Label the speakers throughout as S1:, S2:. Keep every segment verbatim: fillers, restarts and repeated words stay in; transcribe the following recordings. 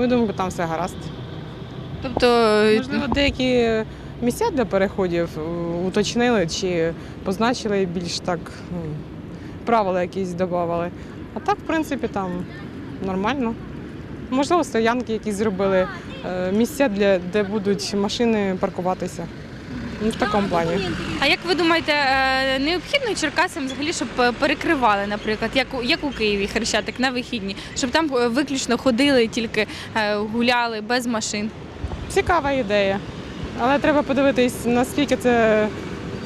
S1: мою думку, там все гаразд.
S2: Тобто,
S1: Можливо, деякі місця для переходів е, уточнили чи позначили більш так, ну, правила якісь додавали. А так, в принципі, там нормально. Можливо, стоянки якісь зробили, е, місця, для, де будуть машини паркуватися. Ну, в такому плані.
S2: а як ви думаєте, е, необхідно Черкасам взагалі, щоб е, перекривали, наприклад, як у, як у Києві Хрещатик на вихідні, щоб там е, виключно ходили, тільки е, гуляли без машин?
S1: Цікава ідея. Але треба подивитись, наскільки це м,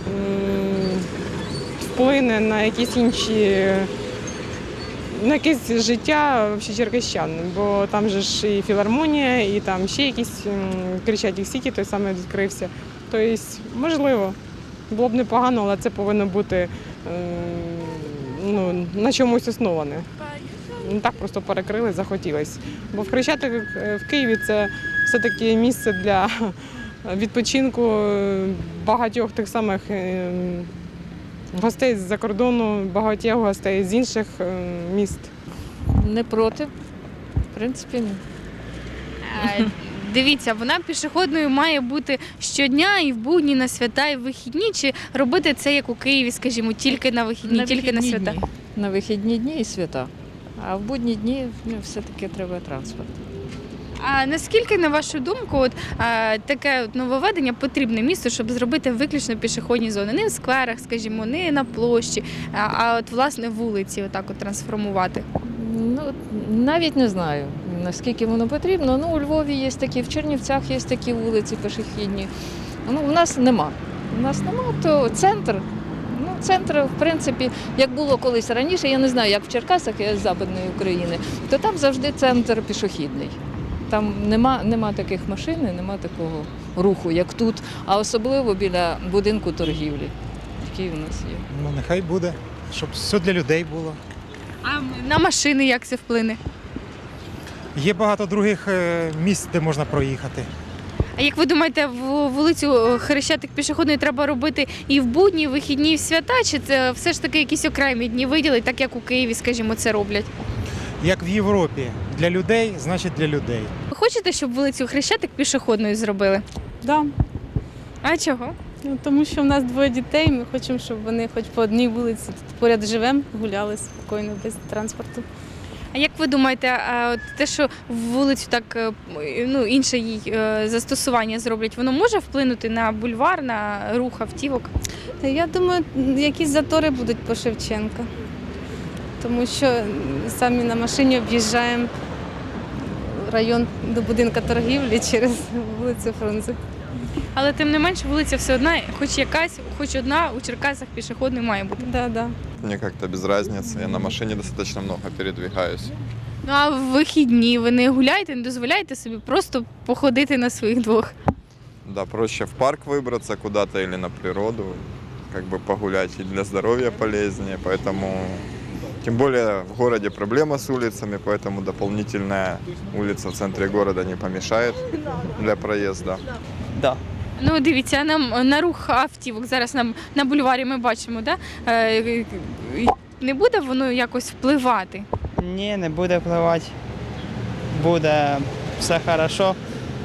S1: вплине на якісь інші, на якесь життя вообще черкащан. Бо там же ж і філармонія, і там ще якісь м, Крещатик Сіті, той самий відкрився. Тобто, можливо, було б непогано, але це повинно бути м, ну, на чомусь основане. Не так просто перекрили, захотілось. Бо в Хрещатик в Києві це все-таки місце для відпочинку багатьох тих самих е, гостей з-за кордону, багатьох гостей з інших е, міст.
S3: Не проти. В принципі, ні.
S2: Е, Дивіться, вона пішохідною має бути щодня і в будні, на свята, і в вихідні, чи робити це, як у Києві, скажімо, тільки на вихідні,
S3: На
S2: тільки на
S3: вихідні
S2: свята?
S3: дні. На вихідні дні і свята. А в будні дні ну, все-таки треба транспорт.
S2: А наскільки, на вашу думку, от, а, таке от нововведення потрібне місту, щоб зробити виключно пішохідні зони? Не в скверах, скажімо, не на площі, а, а от, власне, вулиці отак от трансформувати?
S3: Ну, навіть не знаю, наскільки воно потрібно. Ну, у Львові є такі, в Чернівцях є такі вулиці пішохідні. Ну, у нас нема. У нас нема, то центр. Ну, центр, в принципі, як було колись раніше, я не знаю, як в Черкасах, я з Западної України, то там завжди центр пішохідний. Там нема, нема таких машин, і нема такого руху, як тут, а особливо біля будинку торгівлі, який у нас є.
S4: Ну, нехай буде, щоб все для людей було.
S2: А на машини як це вплине?
S4: Є багато других е, місць, де можна проїхати.
S2: А як ви думаєте, в вулицю Хрещатик пішохідної треба робити і в будні, і в вихідні, і в свята, чи це все ж таки якісь окремі дні виділити, так як у Києві, скажімо, це роблять?
S4: Як в Європі. Для людей, значить для людей.
S2: Ви хочете, щоб вулицю Хрещатик пішохідною зробили?
S5: Да.
S2: А чого?
S5: Ну, тому що в нас двоє дітей, ми хочемо, щоб вони хоч по одній вулиці тут поряд живемо, гуляли спокійно, без транспорту.
S2: А як ви думаєте, а от те, що вулицю так е, ну, інше їй е, застосування зроблять, воно може вплинути на бульвар, на рух автівок?
S5: Та я думаю, якісь затори будуть по Шевченка, тому що самі на машині об'їжджаємо район до будинку торгівлі через вулицю Фрунзе.
S2: Але тим не менше вулиця все одна, хоч якась, хоч одна у Черкасах пішохідною має бути.
S5: Да, да.
S6: Мне как-то без разницы. Я на машине достаточно много передвигаюсь.
S2: Ну а в вихідні ви не гуляєте, не дозволяєте собі просто походити на своїх двох?
S6: Да, проще в парк выбраться куда-то или на природу, как бы погулять и для здоровья полезнее. Поэтому, тем более в городе проблема с улицами, поэтому дополнительная улица в центре города не помешает для проезда.
S7: Да.
S2: Ну дивіться, нам на рух автівок зараз нам на бульварі ми бачимо, да? Е, не буде воно якось впливати?
S7: Ні, не буде впливати. Буде все хорошо.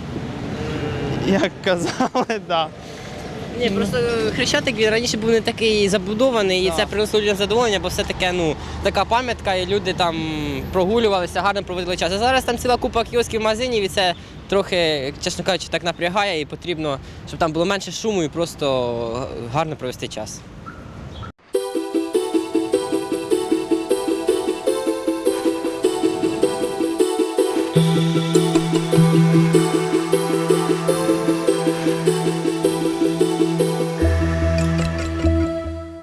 S7: Як казали, да.
S8: Ні, просто Хрещатик він раніше був не такий забудований, і
S7: Да.
S8: це принесло людям задоволення, бо все таке, ну, така пам'ятка, і люди там прогулювалися, гарно проводили час. А зараз там ціла купа кіосків, магазинів, і це трохи, чесно кажучи, так напрягає, і потрібно, щоб там було менше шуму і просто гарно провести час.
S9: Thank you.